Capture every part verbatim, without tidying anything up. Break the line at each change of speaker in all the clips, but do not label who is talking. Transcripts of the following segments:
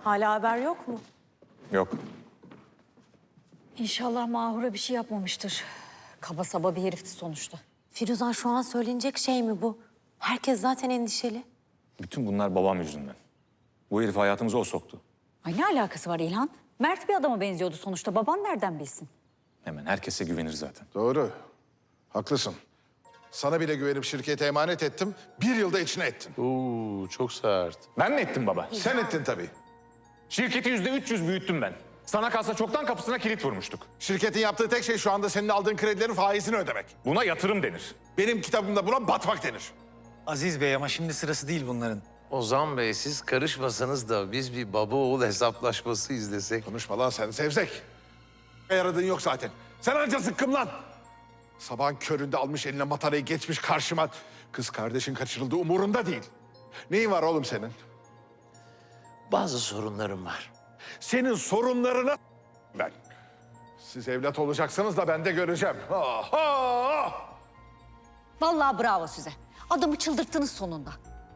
Hala haber yok mu?
Yok.
İnşallah Mahur'a bir şey yapmamıştır. Kaba saba bir herifti sonuçta.
Firuzan şu an söylenecek şey mi bu? Herkes zaten endişeli.
Bütün bunlar babam yüzünden. Bu herifi hayatımıza o soktu.
Ay ne alakası var İlhan? Mert bir adama benziyordu sonuçta. Baban nereden bilsin?
Hemen herkese güvenir zaten.
Doğru. Haklısın. Sana bile güvenip şirkete emanet ettim. Bir yılda içine ettin.
Oo, çok sert.
Ben mi ettim baba?
Sen ettin tabii.
Şirketi yüzde üç yüz büyüttüm ben. Sana kalsa çoktan kapısına kilit vurmuştuk.
Şirketin yaptığı tek şey şu anda senin aldığın kredilerin faizini ödemek.
Buna yatırım denir.
Benim kitabımda buna batmak denir.
Aziz Bey ama şimdi sırası değil bunların.
Ozan Bey siz karışmasanız da biz bir baba oğul hesaplaşması izlesek.
Konuşma lan sen Sevzek. Yaradığın yok zaten. Sen anca zıkkım lan. Sabahın köründe almış eline matarayı geçmiş karşıma. Kız kardeşin kaçırıldı umurunda değil. Neyin var oğlum senin?
Bazı sorunlarım var.
Senin sorunlarına ben. Siz evlat olacaksınız da ben de göreceğim. Aha!
Vallahi bravo size. Adamı çıldırttınız sonunda.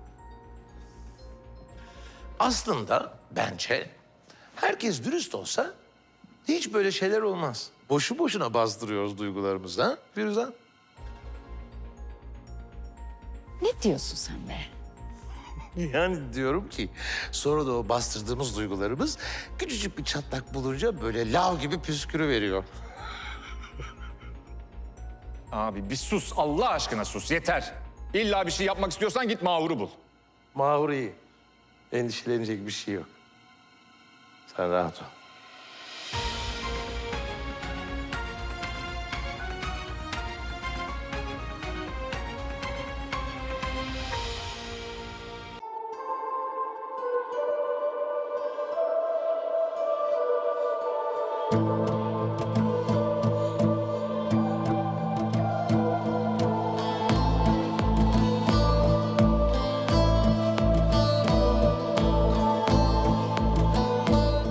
Aslında bence herkes dürüst olsa hiç böyle şeyler olmaz. Boşu boşuna bastırıyoruz duygularımızı ha Firuzan?
Ne diyorsun sen be?
Yani diyorum ki sonra da o bastırdığımız duygularımız küçücük bir çatlak bulunca böyle lav gibi püskürüveriyor.
Abi bir sus, Allah aşkına sus, yeter. İlla bir şey yapmak istiyorsan git Mahur'u bul.
Mahur iyi. Endişelenecek bir şey yok. Sen rahat ol.